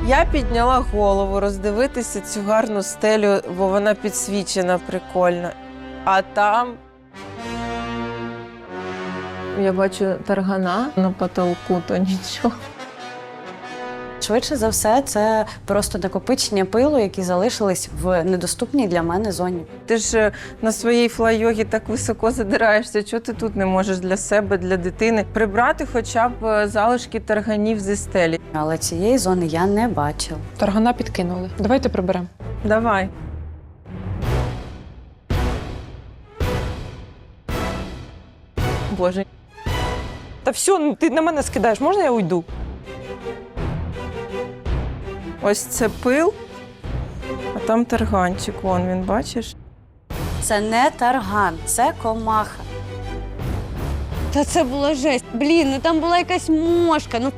Я підняла голову роздивитися цю гарну стелю, бо вона підсвічена прикольно. А там я бачу таргана на потолку, то нічого. Швидше за все, це просто накопичення пилу, які залишились в недоступній для мене зоні. Ти ж на своїй флай-йогі так високо задираєшся, чого ти тут не можеш для себе, для дитини прибрати хоча б залишки тарганів зі стелі. Але цієї зони я не бачила. Таргана підкинули. Давайте приберемо. Давай. Боже. Та все, ти на мене скидаєш, можна я уйду? Ось це пил, а там тарганчик, вон він, бачиш? Це не тарган, це комаха. Та це була жесть. Блін, ну там була якась мошка. Ну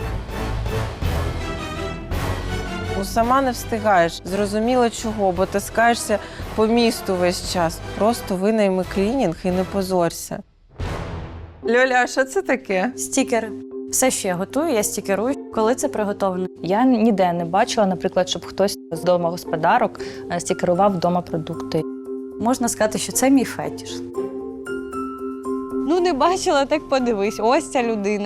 Сама не встигаєш. Зрозуміло чого, бо таскаєшся по місту весь час. Просто винайми клінінг і не позорся. Льоля, а що це таке? Стікери. Все, що я готую, я стікерую, коли це приготовлено. Я ніде не бачила, наприклад, щоб хтось з домогосподарок стікерував вдома продукти. Можна сказати, що це мій фетіш. ну не бачила, так подивись. Ось ця людина.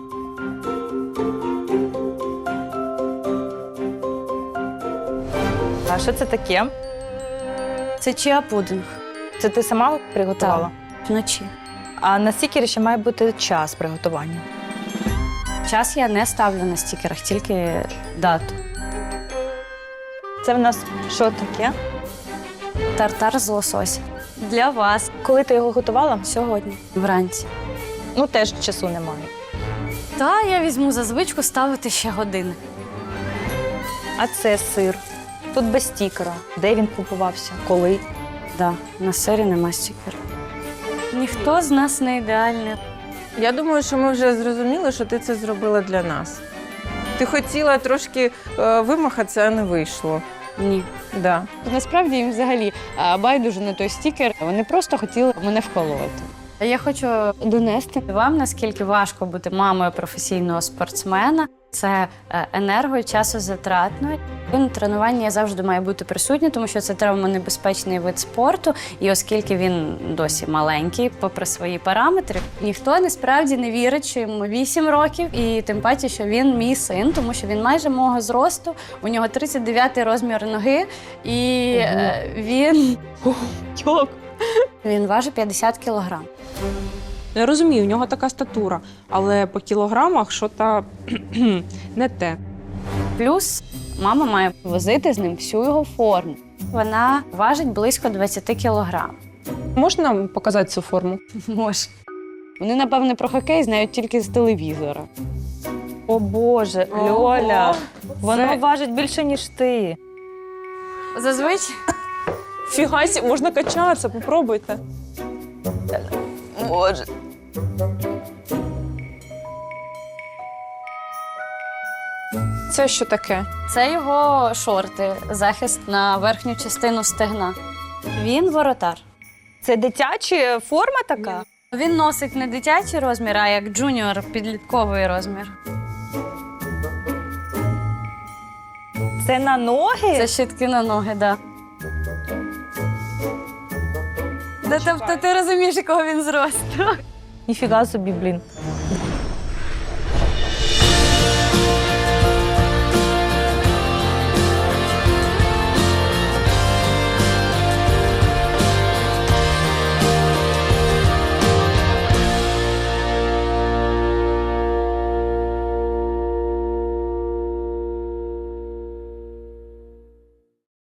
А що це таке? Це чиа-пудинг. Це ти сама приготувала? Вночі. А на стікері ще має бути час приготування. Час я не ставлю на стікерах, тільки дату. Це в нас що таке? Тартар з лосося. Для вас. Коли ти його готувала? Сьогодні. Вранці. Ну, теж часу немає. Та я візьму за звичку ставити ще години. А це сир. Тут без стікера. Де він купувався? Коли? Да, на сирі нема стікера. Ніхто з нас не ідеальний. Я думаю, що ми вже зрозуміли, що ти це зробила для нас. Ти хотіла трошки вимахатися, а не вийшло. Ні. Да. Насправді їм взагалі байдуже на той стікер. Вони просто хотіли мене вколоти. Я хочу донести вам, наскільки важко бути мамою професійного спортсмена. Це енерго- і часозатратно. На тренуванні я завжди маю бути присутня, тому що це травмонебезпечний вид спорту. І оскільки він досі маленький, попри свої параметри, ніхто насправді не вірить, що йому 8 років. І тим паче, що він мій син, тому що він майже мого зросту, у нього 39-й розмір ноги, і він важить 50 кілограм. Я розумію, у нього така статура, але по кілограмах що-то не те. Плюс мама має Возити з ним всю його форму. Вона важить близько 20 кілограм. Можна показати цю форму? Може. Вони, напевне, про хокей знають тільки з телевізора. О Боже, Льоля, воно важить більше, ніж ти. Зазвичай. Фігасі, можна качатися, попробуйте. Може. Це що таке? Це його шорти, захист на верхню частину стегна. Він воротар. Це дитяча форма така? Він носить не дитячий розмір, а як джуніор підлітковий розмір. Це на ноги? Це щитки на ноги, так. Да. Тобто ти розумієш, якого він зросту. Ніфіга собі, блін.